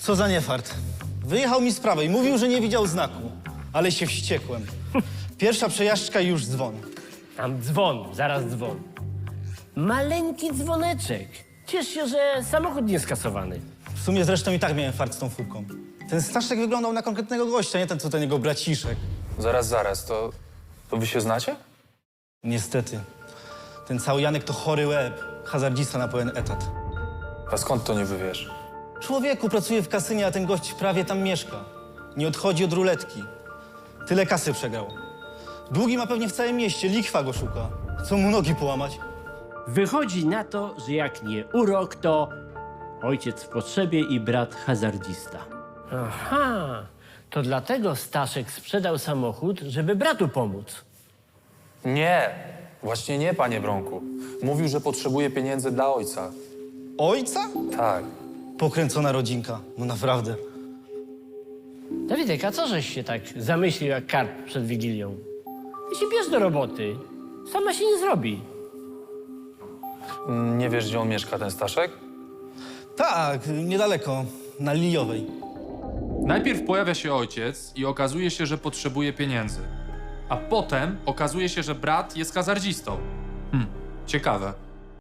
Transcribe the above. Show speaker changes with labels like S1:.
S1: Co za niefart. Wyjechał mi z prawej, i mówił, że nie widział znaku. Ale się wściekłem. Pierwsza przejażdżka i już dzwon.
S2: Tam dzwon, zaraz dzwon. Maleńki dzwoneczek. Ciesz się, że samochód nie skasowany.
S1: W sumie zresztą i tak miałem fart z tą furką. Ten Staszek wyglądał na konkretnego gościa, nie ten, co ten jego braciszek.
S3: Zaraz, to wy się znacie?
S1: Niestety. Ten cały Janek to chory łeb. Hazardzista na pełen etat.
S3: A skąd to niby wiesz?
S1: Człowieku pracuje w kasynie, a ten gość prawie tam mieszka. Nie odchodzi od ruletki. Tyle kasy przegrał. Długi ma pewnie w całym mieście, likwa go szuka. Co mu nogi połamać?
S2: Wychodzi na to, że jak nie urok, to ojciec w potrzebie i brat hazardzista. Aha, to dlatego Staszek sprzedał samochód, żeby bratu pomóc.
S3: Nie, właśnie nie, panie Bronku. Mówił, że potrzebuje pieniędzy dla ojca.
S1: Ojca?
S3: Tak.
S1: Pokręcona rodzinka. No naprawdę.
S2: Dawidek, a co żeś się tak zamyślił jak karp przed Wigilią? I się bierz do roboty. Sama się nie zrobi.
S3: Nie wiesz, gdzie on mieszka, ten Staszek?
S1: Tak, niedaleko. Na Liliowej.
S4: Najpierw pojawia się ojciec i okazuje się, że potrzebuje pieniędzy. A potem okazuje się, że brat jest hazardzistą. Ciekawe.